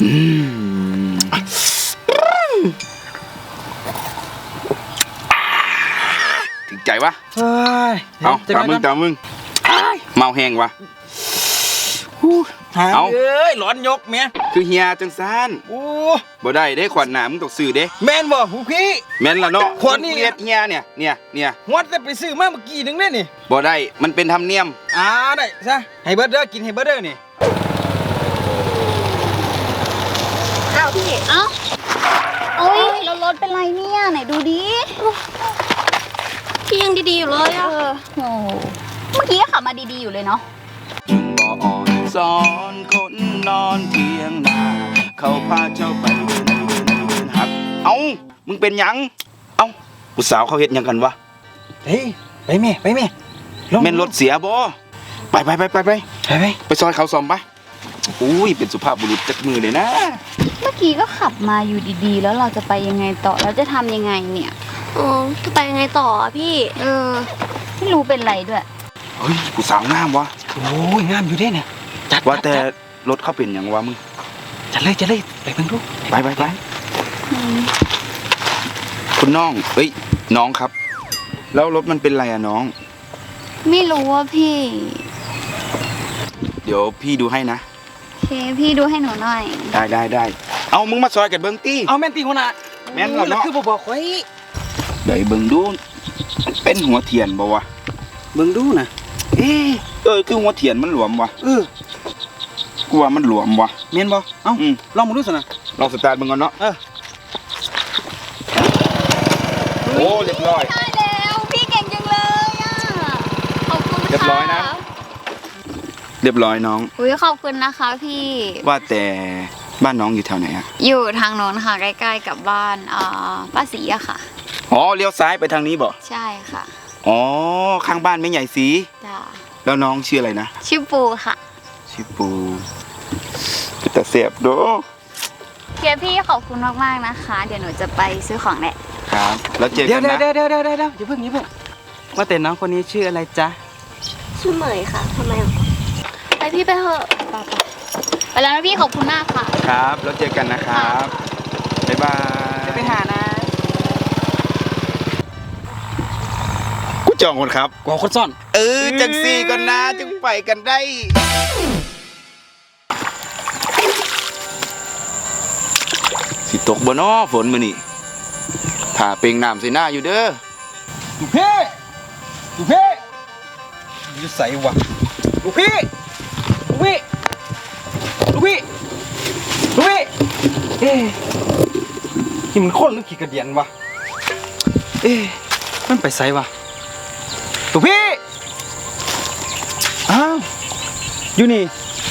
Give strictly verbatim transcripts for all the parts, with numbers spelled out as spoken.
ถึงใจวะเอาตามมึงตามมึงเมาแห้งวะเอาเอ้ยร้อนยกเมียคือเฮียจังซานโอ้บ่ได้เด้ขวัญหนามึงต้องซื้อเด้แม่นบ่ผู้พี่แม่นละเนาะขวัญนี่เฮียเนี่ยเนี่ยเนี่ยวัดจะไปซื้อมาเมื่อกี้นึงได้นี่บ่ได้มันเป็นธรรมเนียมอ่าได้ซะให้เบิร์ดเด้อกินให้เบิร์ดเด้อนี่อ้าวพี่เอ้าโอ้ยแล้วรถเป็นไรเนี่ยไหนดูดิพี่ยังดีๆอยู่เลยอะโอ้เมื่อกี้ก็ขับมาดีๆอยู่เลยเนาะจึงบ่อ่อนสอนคนนอนเทียงนาเขาพาเจ้าไปเดินเดินเดินหักเอ้ามึงเป็นหยังเอ้าผู้สาวเขาเฮ็ดหยังกันวะเฮ้ยไปแม่ไปแม่แม่นรถเสียบ่ไปไปไปไปไปไปไปซอยเขาซ่อมไปอุ้ยเป็นสุภาพบุรุษจักมือเลยนะเมื่อกี้ก็ขับมาอยู่ดีๆแล้วเราจะไปยังไงต่อแล้วจะทำยังไงเนี่ยอ๋อจะไปยังไงต่ออ่ะพี่เออไม่รู้เป็นไรด้วยเฮ้ยผู้สาวงามวะโอ้ยงามอยู่เด้เนี่ยจัดว่าแต่รถเขาเป็นอย่างวะมึงจัดเลยจัดเลยไปเพิ่งดูไปไปไปคุณน้องเอ้ยน้องครับแล้วรถมันเป็นไรอะน้องไม่รู้ว่าพี่เดี๋ยวพี่ดูให้นะโอเคพี่ดูให้หนูหน่อยได้ได้ได้เอามึงมาซอยกันเบิ้งตี้เอาแม่นตีหัวหน้าแม่นแล้วเนาะคือบอกบอกไว้เดี๋ยวเบิ้งดูเป็นหัวเทียนบ่วะเบิ้งดูนะเออเออคือหัวเทียนมันหลวมวะเออกูว่ามันหลวมวะแม่นบ่เอ้าลองมาดูสินะลองสตาร์ทมึงก่อนเนาะเออโอ้เรียบร้อยได้แล้วพี่เก่งจังเลยอ่ะขอบคุณค่ะเรียบร้อยนะเรียบร้อยน้องอุ้ยขอบคุณนะคะพี่ว่าแต่บ้านน้องอยู่แถวไหนอะอยู่ทางโน้นค่ะใกล้ๆกับบ้านอ่าป้าศรีอะค่ะอ๋อเลี้ยวซ้ายไปทางนี้บ่ใช่ค่ะอ๋อข้างบ้านแม่ใหญ่สีจ้าแล้วน้องชื่ออะไรนะชื่อปูค่ะชื่อปูแต่เสียบดูเพียพี่ขอบคุณมากๆนะคะเดี๋ยวหนูจะไปซื้อของแหละครับแล้วเจอกันนะเดี๋ยวเดี๋ยวเดี๋ยวเดี๋ยวเดี๋ยวอย่าเพิ่งอย่าเพิ่งว่าแต่น้องคนนี้ชื่ออะไรจ๊ะชื่อเหมยค่ะทำไมไปพี่ไปเถอะไปไปแล้วนะพี่ขอบคุณมากค่ะครับแล้วเจอกันนะครับบ๊ายบายจะไปหานะกูจองคนครับกว่าคนซ่อนเออจังสี่ก่อนนะจึงไปกันได้สิตกบ่น้อฝนมื้อนี้ถ้าเป่งน้ำใส่หน้าอยู่เด้อลูกพี่ลูกพี่อยู่ใส่วะลูกพี่ลูกพี่ลูกพี่ลูกพี่เอ๊ะนี่มันคนหรือขี้กระเดียนวะเอ๊ะมันไปใส่วะลูกพี่อ้าวอยู่นี่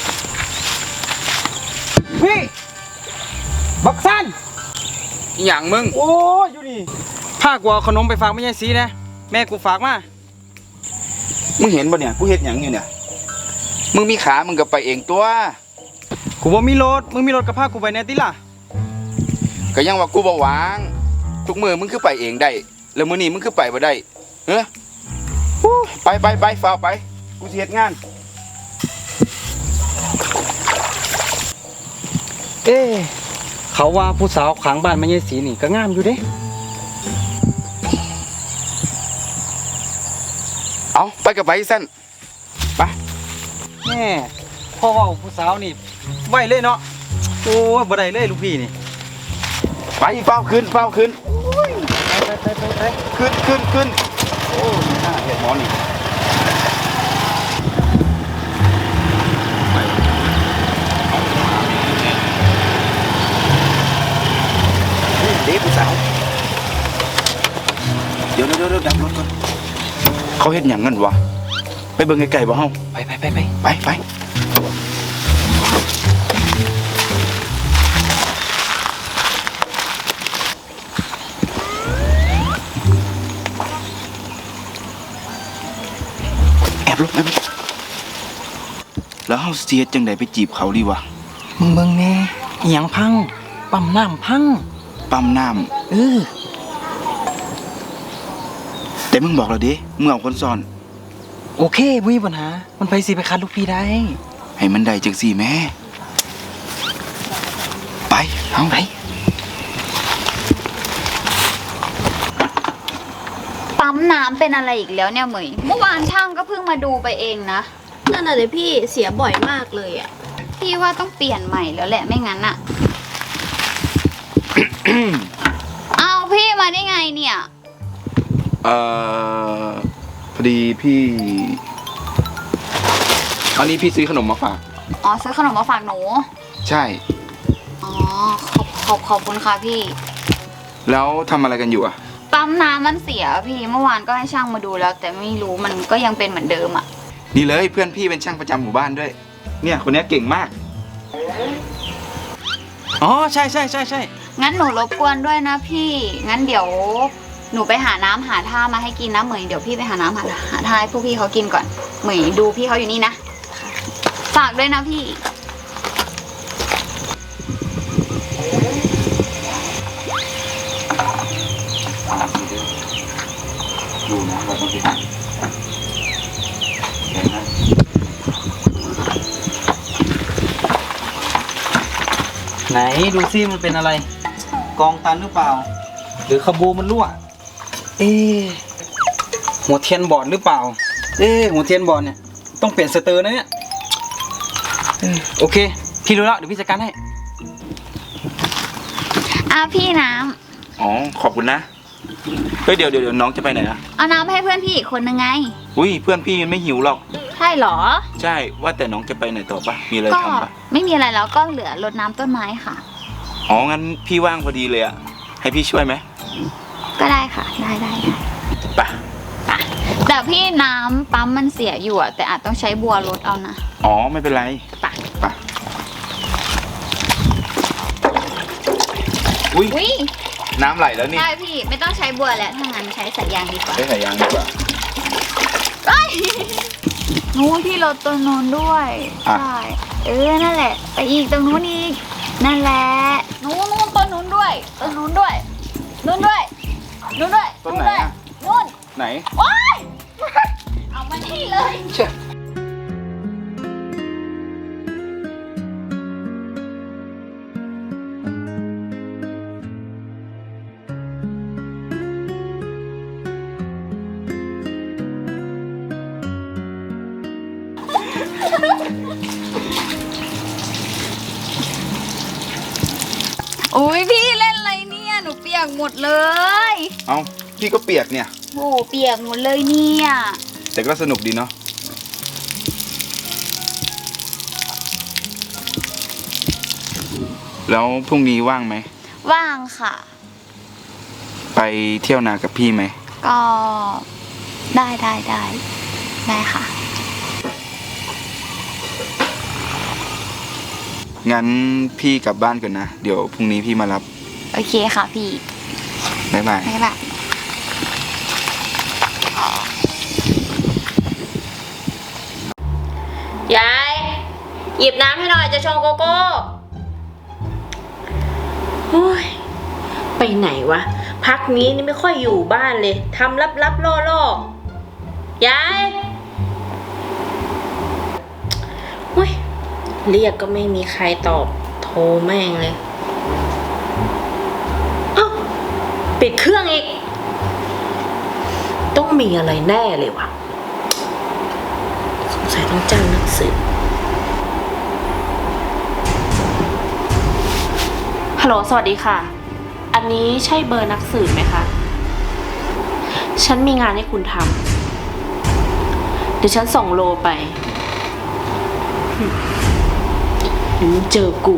พี่บักซันอย่างมึงโอ้ยอยู่นี่พากูเอาขนมไปฝากแม่ยายสีนะแม่กูฝากมามึงเห็นป่ะเนี่ยกูเห็นอย่างอยู่เนี่ยมึงมีขามึงก็ไปเองตัวกูบ่มีรถมึงมีรถกับพากูไปแน่ติล่ะก็ยังว่ากูบ่วางทุกมือมึงคือไปเองได้แล้วมื้อนี้มึงคือไปบ่ได้เฮ้ยไปไปไปฝ่าไปกูสิเฮ็ดงานเอ๊เขาว่าผู้สาวขางบ้านแม่ยายสีนี่ก็งามอยู่เด้เอาไปกับไปสั้นไปแม่พ่อว่าผู้สาวนี่ไหวเลยเนาะโอ้ยบ่ได้เลยลูกพี่นี่ไปเฝ้าขึ้นเฝ้าขึ้นไปไปไปไปขึ้นขึ้นขึ้นโอ้ยน่าเห็นหมอนี่เด็กผู้สาวเดี๋ยวเดี๋ยวเดี๋ยวดับรถก่อนเขาเห็นอย่างนั้นวะไปเบิ่งไกลๆบ่เฮาไปไปไปไปไปไปแอบลบแอบลบแล้วเฮาเสียจังไดไปจีบเขาดีวะมึงเบิ่งแน่อีหยังพังปั๊มน้ำพังปั๊มน้ำเออแต่มึงบอกเราดิมึงเอาคนซ่อนโอเคไม่มีปัญหามันไปสิไปคัดลูกพี่ได้ให้มันได้จังสี่แม่ไปเอาไปปั๊มน้ำเป็นอะไรอีกแล้วเนี่ยเหมยเมื่อวานช่างก็เพิ่งมาดูไปเองนะนั่นน่ะเลยพี่เสียบ่อยมากเลยอ่ะพี่ว่าต้องเปลี่ยนใหม่แล้วแหละไม่งั้นอะ เอาพี่มาได้ไงเนี่ยเอ่อพอดีพี่อันนี้พี่ซื้อขนมมาฝากอ๋อซื้อขนมมาฝากหนูใช่อ๋อขอบขอบขอบคุณค่ะพี่แล้วทำอะไรกันอยู่อ่ะปั๊มน้ำมันเสียพี่เมื่อวานก็ให้ช่างมาดูแล้ว แต่ไม่รู้มันก็ยังเป็นเหมือนเดิมอะนี่เลยเพื่อนพี่เป็นช่างประจำหมู่บ้านด้วย เนี่ยคนนี้เก่งมากอ๋อใช่ใช่ใช่ใช่งั้นหนูรบกวนด้วยนะพี่ งั้นเดี๋ยวหนูไปหาน้ำหาท่ามาให้กินนะเหมยเดี๋ยวพี่ไปหาน้ำหาหาท่าให้พวกพี่เขากินก่อนเหมยดูพี่เขาอยู่นี่นะฝากด้วยนะพี่ดูนะเราต้องไปหาเห็นไหมไหนดูซิมันเป็นอะไร กองตันหรือเปล่า หรือขบูมันรั่ว เอ๊ะหัวเทียนบอดหรือเปล่า เอ๊ะหัวเทียนบอดเนี่ยต้องเปลี่ยนสเตอร์นะเนี่ยเออโอเค พี่รู้แล้วเดี๋ยวพี่จัดการให้อ่ะพี่น้อ๋อขอบคุณนะเฮ้ยเดี๋ยวเดี๋ยวเดี๋ยวน้องจะไปไหนนะำเอาน้ำให้เพื่อนพี่อีกคนนึงไงอุ้ยเพื่อนพี่มันไม่หิวหรอกใช่เหรอใช่ว่าแต่น้องจะไปไหนต่อปะมีอะไรก็ทำปะไม่มีอะไรแล้วก็เหลือรดน้ำต้นไม้ค่ะอ๋องั้นพี่ว่างพอดีเลยอะให้พี่ช่วยไหมก็ได้ค่ะ ได้ได้ได้ไปไปแต่พี่น้ำปั๊มมันเสียอยู่อะแต่อาจต้องใช้บัวรดเอานะอ๋อไม่เป็นไรไปไปอุ้ยอุ้ยน้ำไหลแล้วนี่ใช่พี่ไม่ต้องใช้บัวแล้วถ้างั้นใช้สายยางดีกว่าใช้สายยางดีกว่าเอ้ยนู้นพี่รถตัวนู้นด้วยอ่ะใช่เออนั่นแหละ ไปอีกตรงนู้นอีกนั่นแหละนู้นนู้นต้นนู้นด้วยต้นนู้นด้วยนู้นด้วยนู้นด้วยต้นไหนอะนู้นไหนโอ๊ยเอามานี่เลยเช่อุ้ยพี่เล่นอะไรเนี่ยหนูเปียกหมดเลยเอาพี่ก็เปียกเนี่ยโอ้เปียกหมดเลยเนี่ยแต่ก็สนุกดีเนาะแล้วพรุ่งนี้ว่างไหมว่างค่ะไปเที่ยวนากับพี่ไหมก็ได้ได้ได้ได้ค่ะงั้นพี่กลับบ้านก่อนนะ เดี๋ยวพรุ่งนี้พี่มารับโอเคค่ะพี่บ๊ายบายบ๊ายบายยาย หยิบน้ำให้หน่อยจะชงโกโก้โอ้ยไปไหนวะ พักนี้นี่ไม่ค่อยอยู่บ้านเลยทำลับลับๆล่อล่อยายโอ้ยเรียกก็ไม่มีใครตอบ โทรแม่งเลยเอ้าปิดเครื่องอีก ต้องมีอะไรแน่เลยวะสงสัยต้องจ้างนักสืบฮัลโหลสวัสดีค่ะ อันนี้ใช่เบอร์นักสืบไหมคะ ฉันมีงานให้คุณทำเดี๋ยวฉันส่งโลไปเดี๋ยวมึงเจอกู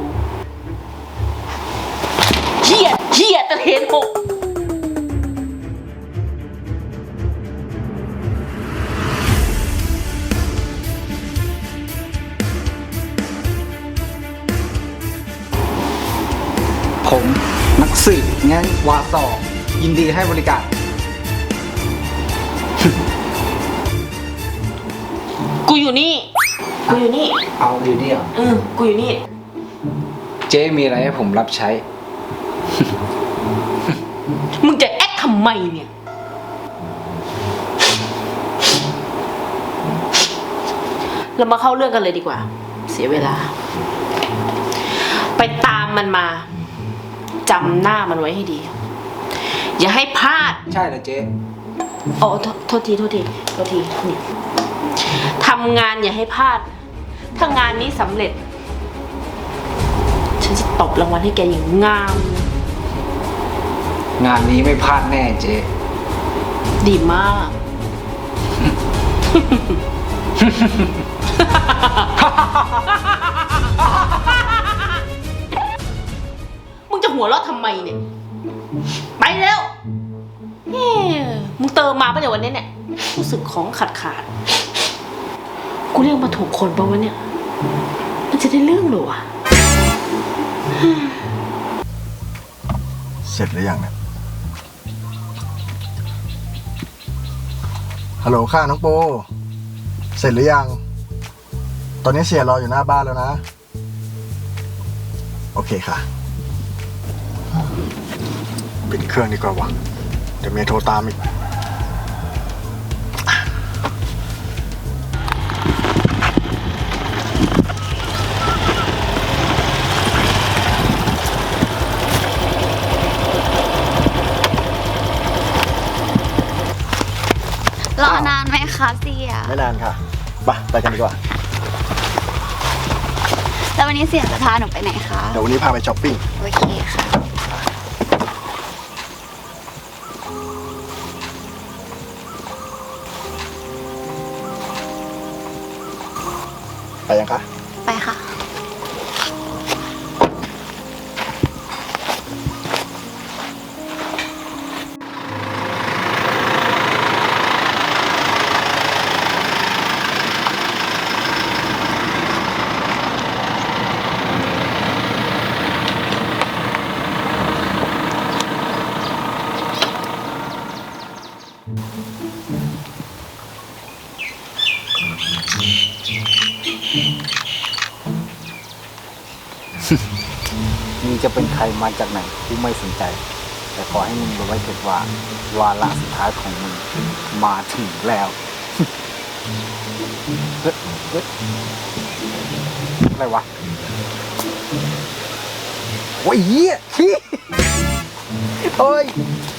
เหี้ยเหี้ยตะเทนหกผมนักสืบงั้นวาสอยินดีให้บริการกูอยู่นี่ กูอยู่นี่เอาอยู่นี่เหรอเออ กูอยู่นี่เจ๊มีอะไรให้ผมรับใช้มึงจะแอคทำไมเนี่ย เรามาเข้าเรื่องกันเลยดีกว่า เสียเวลา ไปตามมันมาจำหน้ามันไว้ให้ดี อย่าให้พลาดใช่เหรอเจ๊โอ้โทษโทษทีโทษทีโทษทีนี่ทำงานอย่าให้พลาด ถ้างานนี้สำเร็จ ฉันจะตบรางวัลให้แกอย่างงามงานนี้ไม่พลาดแน่เจ๊ดีมาก มึงจะหัวเราะทำไมเนี่ย ไปเร็วเฮ้มึงเติมมาปะเนี่ยวันนี้เนี่ย รู้สึกของขาดขาด กูเรียกมาถูกคนปะวะเนี่ย มันจะได้เรื่องหรอวะเสร็จหรือยังเนี่ยฮัลโหลค่ะน้องปูเสร็จหรือยัง ตอนนี้เสียรออยู่หน้าบ้านแล้วนะ โอเคค่ะปิดเครื่องดีกว่าวะเดี๋ยวเมียโทรตามอีกรอนานไหมคะเสียไม่นานค่ะไปไปกันดีกว่าแล้ววันนี้เสียจะพาหนูไปไหนคะเดี๋ยววันนี้พาไปช้อปปิ้งโอเคค่ะไปยังคะไปค่ะมึงจะเป็นใครมาจากไหนกูไม่สนใจ แต่ขอให้มึงรู้ไว้เถิดว่าวาระสุดท้ายของมึงมาถึงแล้วเฮ้ยเฮ้ยอะไรวะโอ้ยเหี้ยขี้โอ้ย